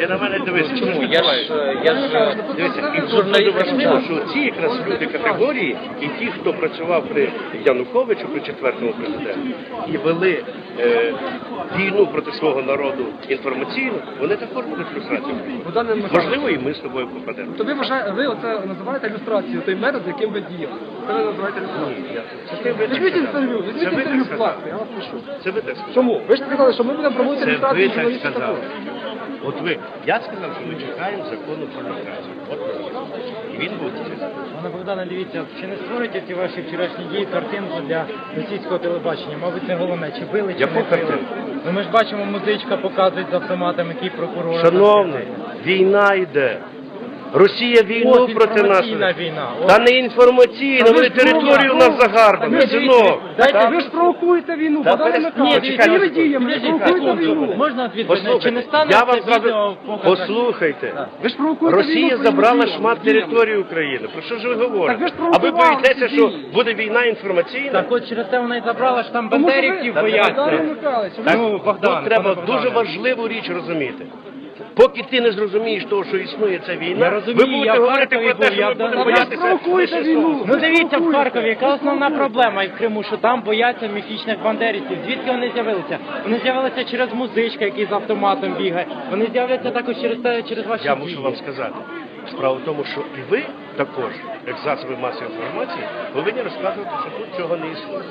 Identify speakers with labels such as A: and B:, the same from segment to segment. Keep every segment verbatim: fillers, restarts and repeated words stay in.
A: на мене дивись, чому? Я ж, я ж, дивися, і тут дуже важливо, що ці якраз люди категорії, і ті, хто працював при Януковичу, при четвертому президенті, і вели е, війну проти свого народу інформаційно, вони також будуть люстрацією. Можливо, і ми з тобою попадемо.
B: То ви вважаєте, ви оце називаєте ілюстрацією, той метод, яким ви діяли. Це ви називаєте ілюстрацією.
A: Це ви так
B: Візьміть
A: сказали.
B: інтерв'ю,
A: Це
B: візьміть
A: ви
B: інтерв'ю
A: так
B: в класі,
A: сказали.
B: я вас прошу.
A: Це ви так сказали.
B: Чому? Ви ж сказали, що ми будемо проводити
A: Це
B: ілюстрацію
A: ви так
B: журналістів
A: сказали.
B: також.
A: От ви, я сказав, що ми чекаємо закону про люстрацію. От і він буде.
C: Пане Богдане, дивіться, чи не створюєте ці ваші вчорашні дії картинку для російського телебачення? Мабуть, це головне. Чи били, чи
A: Яку
C: не били?
A: картинку?
C: Ну, ми ж бачимо, музичка показують з автоматом, який прокурор.
A: Шановний, війна йде. Росія війну
C: От
A: проти нас.
C: інформаційна війна. От.
A: Та не інформаційна,
B: Та ви
A: вони
B: ж
A: територію у
B: думали,
A: нас загарбали,
B: Та ви
A: синок.
C: Дайте,
B: Ви ж провокуєте війну,
A: Та
B: Богдане
A: перес-
B: Михайлович,
A: Ні, чекайте,
B: своїми діями
C: Підождіть,
B: провокуєте
C: секунду.
B: війну.
C: Можна відповідь? Чи не
A: Послухайте,
C: стане
A: я вам
C: це відео
A: зразу...
C: показати?
A: Послухайте.
B: Ви ж провокуєте війну
A: Росія
B: своїми
A: забрала
B: діями.
A: шмат території України. Про що ж ви говорите?
B: Так ви ж
A: А ви
B: провокували
A: боїтеся,
B: ці
A: що
B: дії.
A: буде війна інформаційна?
C: Так от через це вона і забрала, що там
B: Тому що ви-
C: бандерівців
A: Та
C: бояться.
B: Богдане Михайлович, ви
A: Так,
B: ж-
C: Ну, Богдан,
A: тут треба
C: пане
A: дуже
C: Богдане.
A: важливу річ розуміти. Поки ти не зрозумієш того, що існує ця війна,
C: Я розумію,
A: ви будете
C: я в
A: говорити
C: Харкові
A: про те,
C: був,
A: що
C: я
A: ми
C: в
A: будемо
C: Донбасі.
A: боятися.
B: провокуєте
A: лише
B: війну.
A: сонця.
C: Ну дивіться в Харкові, яка основна проблема і в Криму, що там бояться міфічних бандерівців. Звідки вони з'явилися? Вони з'явилися через музичка, який з автоматом бігає. Вони з'являться також через те, через ваші
A: Я
C: дії.
A: мушу вам сказати. Справа в тому, що і ви також, як засоби масової інформації, повинні розказувати, що тут цього не існує.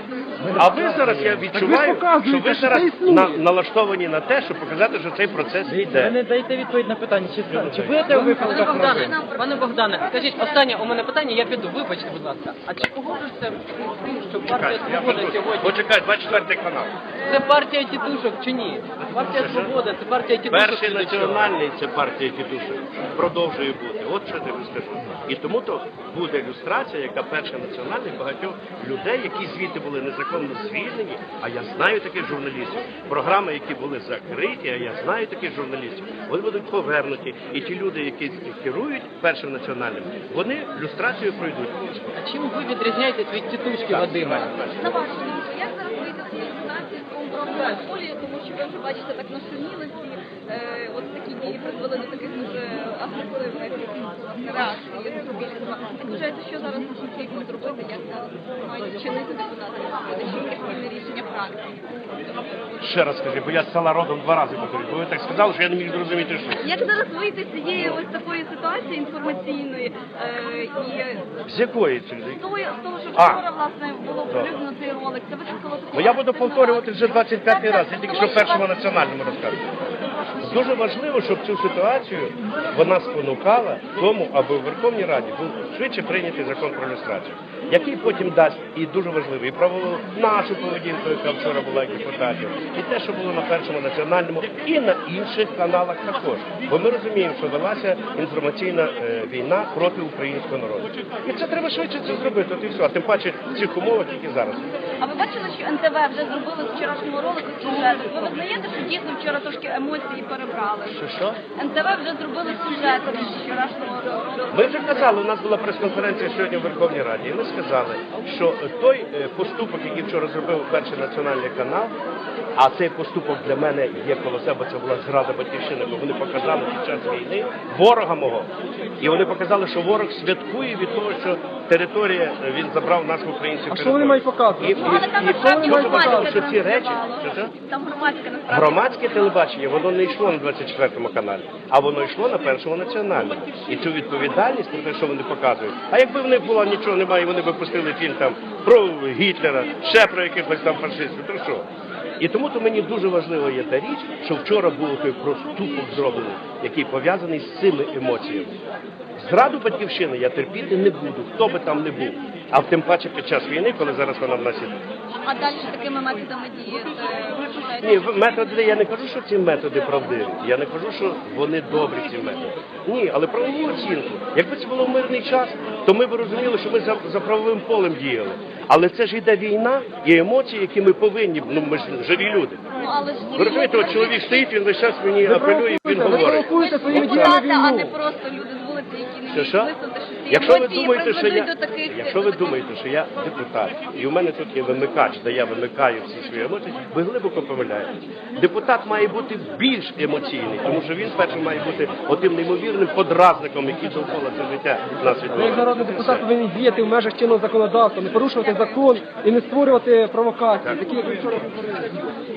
A: А ви зараз, я відчуваю,
B: показуєте,
A: що ви
B: що
A: зараз
B: це існує.
A: на, налаштовані на те, щоб показати, що цей процес
C: Дивіться, ви
A: йде.
C: не даєте відповідь на питання, чи, чи будете у
D: Пане
C: випадках
D: Богдане,
C: новин?
D: пане Богдане, скажіть, останнє у мене питання, я піду, вибачте, будь ласка. А чи погоджуєшся з тим, що партія
A: Чекайте, я
D: Свобода
A: веду.
D: сьогодні?
A: Почекай, двадцять четвертий канал.
D: Це партія тітушок чи ні? Партія Свобода, це партія тітушок.
A: Перший
D: чи до чого?
A: національний це партія тітушок. Продовжує бути. От що я тобі скажу. І тому то буде ілюстрація, яка перша національна багатьох людей, які звідти були незаконно звільнені, а я знаю таких журналістів. Програми, які були закриті, а я знаю таких журналістів, вони будуть повернуті. І ті люди, які керують першим національним, вони люстрацію пройдуть.
D: А чим ви відрізняєтесь від тітушки Вадима?
E: На вашу думку, як зараз вийти з цієї ситуації з компрометом полі, тому що ви вже бачите, так нашуміли всі, е, от такі дії призвели до таких дуже агресивних реакцій суспільства. Як вважаєте, що зараз потрібно зробити, як зараз мають вчинити депутати, чи яке спільне рішення фракції?
A: Ще раз скажи, бо я з села родом два рази повторю, бо ви так сказали, що я не міг зрозуміти, що.
E: Як зараз вийти з цієї ось такої ситуації інформаційної е, і
A: З якої це?
E: з того, з того, що
A: А.
E: вчора, власне, було оприлюднено цей ролик, це викликало таку...
A: Ну я буду повторювати вже двадцять п'ятий раз, я тільки що першому національному розказую. Дуже важливо, щоб цю ситуацію вона спонукала тому, аби у Верховній Раді був швидше прийнятий закон про люстрацію, який потім дасть, і дуже важливо, і правову нашу поведінку, яка вчора була як депутатів, і те, що було на першому національному, і на інших каналах також. Бо ми розуміємо, що велася інформаційна е, війна проти українського народу. І це треба швидше це зробити, от і все. А тим паче в цих умовах тільки зараз.
E: А ви бачили, що ен те ве вже зробили з вчорашнього ролику сюжет? Ви визнаєте, що дійсно вчора трошки емоції перебрали?
A: Що що?
E: ен те ве вже зробили сюжет з вчорашнього ролику.
A: Ми вже казали, у нас була прес-конференція сьогодні в Верховній Раді, і ми сказали, що той е, поступок, який вчора зробив перший національний канал, а цей поступок для мене є коло себе, це була зрада батьківщини, бо вони показали під час війни ворога мого. І вони показали, що ворог святкує від того, що територія, е, він забрав нас в українців.
B: А що вони мають показувати?
A: І, і,
E: Ну, але там
A: і,
E: насправді
A: і дуже важливо,
E: громадське
A: що ці речі,
E: транслювало.
A: що це?
E: Там громадське насправді.
A: Громадське телебачення, воно не йшло на двадцять четвертому каналі, а воно йшло на першому національному. І цю відповідальність про те, що вони показують. А якби в них було нічого немає, вони б пустили фільм там про Гітлера, ще про якихось там фашистів, то що? І тому то мені дуже важливо є та річ, що вчора був той проступок зроблений, який пов'язаний з цими емоціями. Зраду батьківщини я терпіти не буду, хто би там не був. А тим паче під час війни, коли зараз вона в нас іде.
E: А далі такими методами діяти? ви вважаєте?
A: Ні, в- методи, я не кажу, що ці методи правдиві. Я не кажу, що вони добрі, ці методи. Ні, але правову оцінку. Якби це було в мирний час, то ми б розуміли, що ми за, за правовим полем діяли. Але це ж йде війна і емоції, які ми повинні, ну ми ж живі люди.
E: Ну, але ж
A: Ви розумієте, от чоловік стоїть, він весь час мені апелює, він
B: Ви
A: говорить.
B: провокуєте своїми діями
E: депутати, а не
B: війну.
E: просто люди з вулиці, які не
A: Що,
E: вміють
A: що?
E: висловити щось
A: Якщо ви
E: емоції
A: думаєте, що
E: приведуть
A: я,
E: до таких...
A: якщо ви думаєте, що я депутат, і у мене тут є вимикач, де я вимикаю всі свої емоції, ви глибоко помиляєтесь. Депутат має бути більш емоційний, тому що він спершу має бути отим неймовірним подразником, який довкола це життя нас
B: Ви як
A: відбувається.
B: народний депутат повинні діяти в межах чинного законодавства, не порушувати закон і не створювати провокації, такі як ви вчора говорили.